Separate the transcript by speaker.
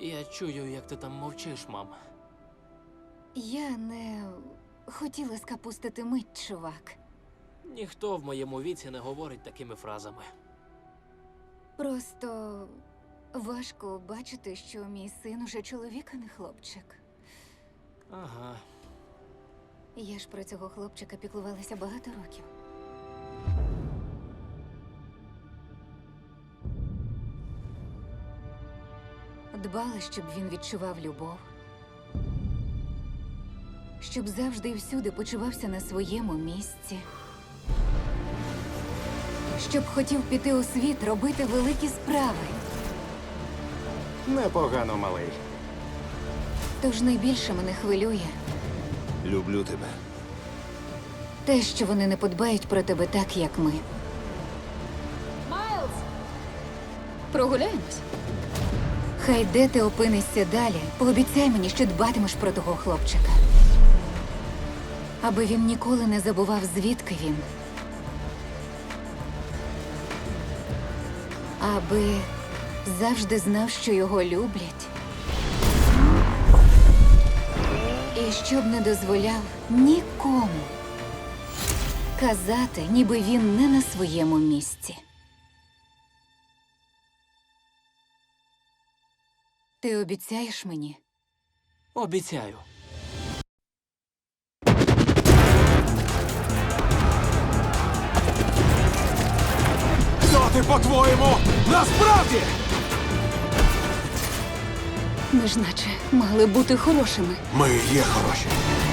Speaker 1: Я чую, як ти там мовчиш, мам.
Speaker 2: Я не хотіла скапустити мить, чувак.
Speaker 1: Ніхто в моєму віці не говорить такими фразами.
Speaker 2: Просто важко бачити, що мій син уже чоловік, а не хлопчик.
Speaker 1: Ага.
Speaker 2: Я ж про цього хлопчика піклувалася багато років. Дбала, щоб він відчував любов. Щоб завжди і всюди почувався на своєму місці. Щоб хотів піти у світ, робити великі справи.
Speaker 3: Непогано, малий.
Speaker 2: Тож найбільше мене хвилює
Speaker 3: Люблю тебе.
Speaker 2: те, що вони не подбають про тебе так, як ми.
Speaker 4: Майлз! Прогуляємось?
Speaker 2: Хай де ти опинишся далі, пообіцяй мені, що дбатимеш про того хлопчика. Аби він ніколи не забував, звідки він. Аби завжди знав, що його люблять. І щоб не дозволяв нікому казати, ніби він не на своєму місці. Ти обіцяєш мені?
Speaker 1: Обіцяю.
Speaker 3: Хто ти, по-твоєму, насправді?
Speaker 2: Ми ж наче мали бути хорошими.
Speaker 3: Ми є хороші.